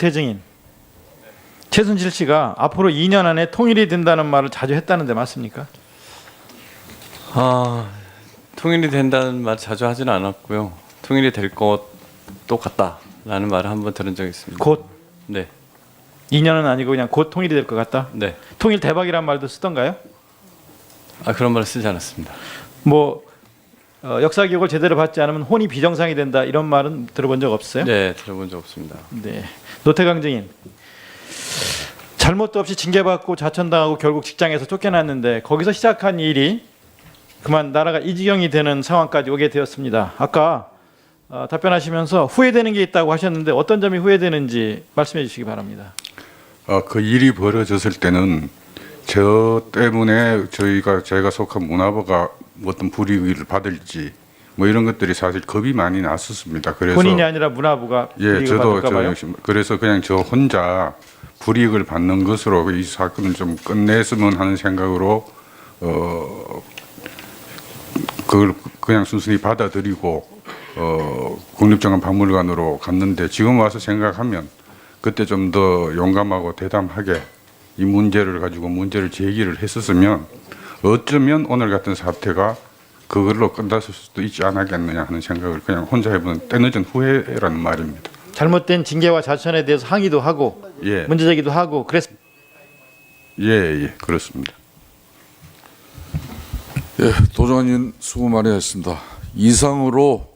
노태증인 최순실 씨가 앞으로 2년 안에 통일이 된다는 말을 자주 했다는데 맞습니까? 통일이 된다는 말 자주 하지는 않았고요. 통일이 될 것도 같다라는 말을 한번 들은 적이 있습니다. 곧 네, 2년은 아니고 그냥 곧 통일이 될 것 같다. 네. 통일 대박이란 말도 쓰던가요? 그런 말을 쓰지 않았습니다. 뭐 역사 교육을 제대로 받지 않으면 혼이 비정상이 된다 이런 말은 들어본 적 없어요? 네, 들어본 적 없습니다. 네. 노태강 증인 잘못도 없이 징계받고 자천당하고 결국 직장에서 쫓겨났는데 거기서 시작한 일이 그만 나라가 이 지경이 되는 상황까지 오게 되었습니다. 아까 답변하시면서 후회되는 게 있다고 하셨는데 어떤 점이 후회되는지 말씀해 주시기 바랍니다. 그 일이 벌어졌을 때는 저 때문에 제가 속한 문화부가 어떤 불이익을 받을지 뭐 이런 것들이 사실 겁이 많이 났었습니다. 그래서 본인이 아니라 문화부가 불이익을 받을까 봐요? 그래서 그냥 저 혼자 불이익을 받는 것으로 이 사건을 좀 끝냈으면 하는 생각으로 그걸 그냥 순순히 받아들이고 국립정원박물관으로 갔는데 지금 와서 생각하면 그때 좀 더 용감하고 대담하게 이 문제를 가지고 문제를 제기를 했었으면 어쩌면 오늘 같은 사태가 그걸로 끝났을 수도 있지 않았겠느냐 하는 생각을 그냥 혼자 해보는 때늦은 후회라는 말입니다. 잘못된 징계와 자천에 대해서 항의도 하고 예. 문제 제기도 하고 그래서 예, 그렇습니다. 예, 도정환님 수고 많이 했습니다. 이상으로